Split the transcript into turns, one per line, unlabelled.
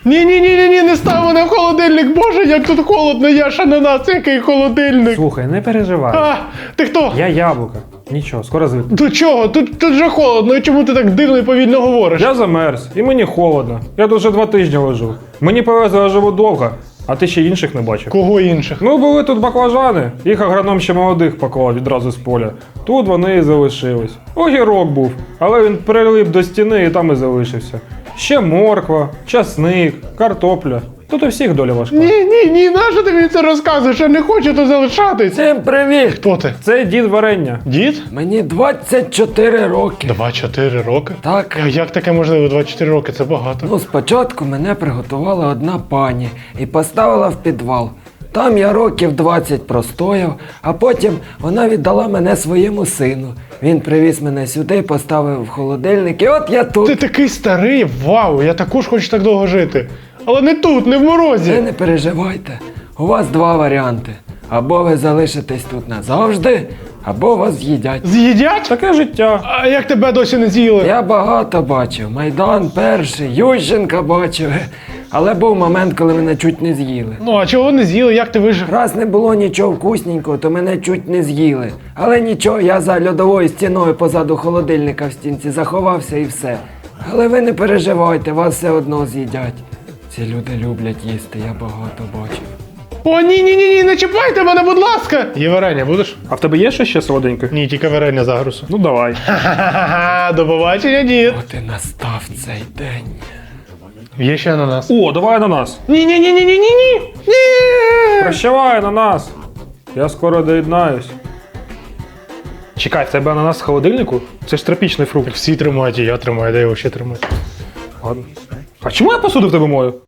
Ні, не став мене в холодильник, боже, як тут холодно, я ж ананас, який холодильник.
Слухай, не переживай.
А, ти хто?
Я яблука. Нічого, скоро звикну.
До чого? Тут же холодно, і чому ти так дивно і повільно говориш?
Я замерз, і мені холодно. Я тут вже 2 тижні лежу. Мені повезло, я живу довго, а ти ще інших не бачив.
Кого інших?
Ну, були тут баклажани, їх агроном ще молодих поклав відразу з поля. Тут вони і залишились. Огірок був, але він прилип до стіни і там і залишився. Ще морква, часник, картопля. Тут у всіх доля важка.
Ні, нащо ти мені це розказуєш? Я не хочу тут залишатись.
Всім привіт!
Хто ти?
Це дід варення.
Дід?
Мені 24 роки.
24 роки?
Так.
А як таке можливо? 24 роки, це багато.
Ну, спочатку мене приготувала одна пані і поставила в підвал. Там я років 20 простояв, а потім вона віддала мене своєму сину. Він привіз мене сюди, поставив в холодильник, і от я тут.
Ти такий старий, вау, я також хочу так довго жити. Але не тут, не в морозі.
Ви не переживайте, у вас 2 варіанти. Або ви залишитесь тут назавжди, або вас з'їдять.
З'їдять?
Таке життя.
А як тебе досі не з'їли?
Я багато бачив, Майдан перший, Ющенка бачив. Але був момент, коли мене чуть не з'їли.
Ну, а чого не з'їли? Як ти вижив?
Раз не було нічого вкусненького, то мене чуть не з'їли. Але нічого, я за льодовою стіною позаду холодильника в стінці заховався і все. Але ви не переживайте, вас все одно з'їдять. Ці люди люблять їсти, я багато бачив.
О, ні, не чіпайте мене, будь ласка! Є варення, будеш?
А в тебе є ще солоденьке?
Ні, тільки варення загрусу.
Ну давай.
Ха-ха-ха, до побачення, дід.
От і настав цей день.
Є ще ананас.
О, давай ананас.
Ні.
Прощавай ананас. Я скоро доєднаюсь. Чекай, в тебе ананас в холодильнику? Це ж тропічний фрукт.
Всі тримають, і я тримаю, де його ще тримати.
Ладно. А чому я посуду в тебе мою?